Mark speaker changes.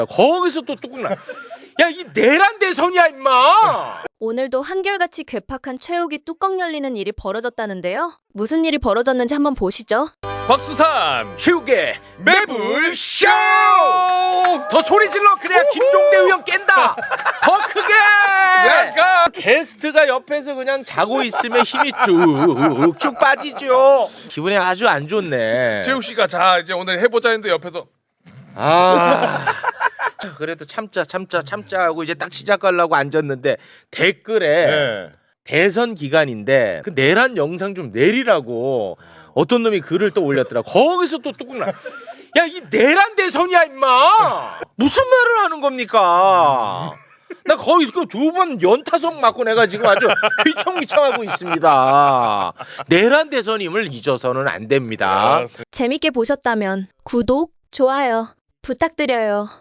Speaker 1: 거기서 또 뚜껑 나. 야, 이 내란 대선이야 임마.
Speaker 2: 오늘도 한결같이 괴팍한 최욱이 뚜껑 열리는 일이 벌어졌다는데요. 무슨 일이 벌어졌는지 한번 보시죠.
Speaker 1: 곽수산 최욱의 매불쇼. 더 소리 질러. 그래야 김종대 의원 깬다. 더 크게. 게스트가 옆에서 그냥 자고 있으면 힘이 쭉쭉 빠지죠. 기분이 아주 안 좋네.
Speaker 3: 최욱 씨가 자 이제 오늘 해보자 했는데 옆에서
Speaker 1: 그래도 참자 하고 이제 딱 시작하려고 앉았는데 댓글에 대선 기간인데 그 내란 영상 좀 내리라고 어떤 놈이 글을 또 올렸더라. 거기서 또 뚜껑 나. 야, 이 내란 대선이야 임마. 무슨 말을 하는 겁니까? 나 거의 그 2번 연타석 맞고 내가 지금 아주 휘청휘청하고 있습니다. 내란 대선임을 잊어서는 안 됩니다.
Speaker 2: 재밌게 보셨다면 구독, 좋아요 부탁드려요.